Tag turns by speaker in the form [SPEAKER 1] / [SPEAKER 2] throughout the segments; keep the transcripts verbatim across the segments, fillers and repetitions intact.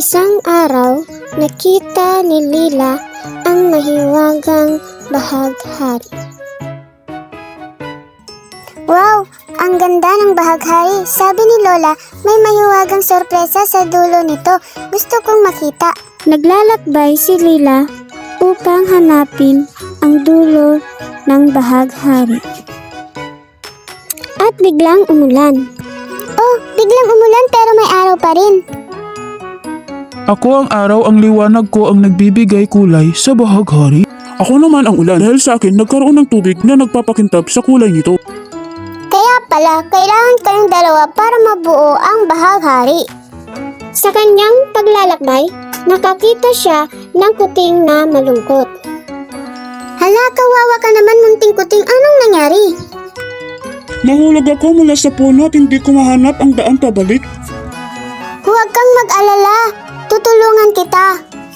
[SPEAKER 1] Isang araw, nakita ni Lila ang mahiwagang bahaghari.
[SPEAKER 2] Wow! Ang ganda ng bahaghari. Sabi ni Lola, may mahiwagang sorpresa sa dulo nito. Gusto kong makita.
[SPEAKER 1] Naglalakbay si Lila upang hanapin ang dulo ng bahaghari. At biglang umulan.
[SPEAKER 2] Oh, biglang umulan pero may araw pa rin.
[SPEAKER 3] Ako ang araw, ang liwanag ko ang nagbibigay kulay sa bahaghari. Ako naman ang ulan dahil sa akin nagkaroon ng tubig na nagpapakintab sa kulay nito.
[SPEAKER 2] Kaya pala, kailangan kayong dalawa para mabuo ang bahaghari.
[SPEAKER 1] Sa kanyang paglalakbay, nakakita siya ng kuting na malungkot.
[SPEAKER 2] Hala, kawawa ka naman, munting kuting. Anong nangyari?
[SPEAKER 3] Nahulog ako mula sa puno at hindi ko mahanap ang daan pabalik.
[SPEAKER 2] Huwag kang mag-alala. Tutulungan kita.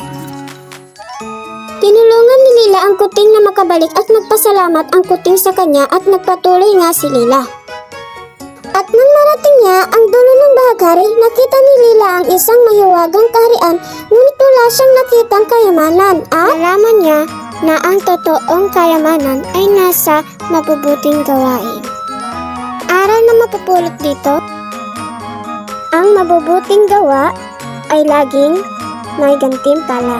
[SPEAKER 1] Tinulungan ni Lila ang kuting na makabalik at nagpasalamat ang kuting sa kanya at nagpatuloy nga si Lila. At nang marating niya ang dulo ng bahaghari, nakita ni Lila ang isang mahiwagang kaharian, ngunit wala siyang nakitang kayamanan at nalaman niya na ang totoong kayamanan ay nasa mabubuting gawain. Aral na mapupulot dito, ang mabubuting gawa ay laging may gantimpala.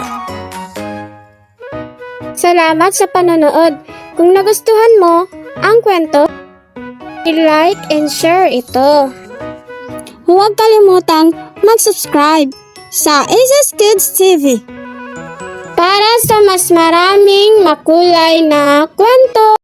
[SPEAKER 1] Salamat sa panonood. Kung nagustuhan mo ang kwento, i-like and share ito. Huwag kalimutang mag-subscribe sa Aces Kids T V para sa mas maraming makulay na kwento.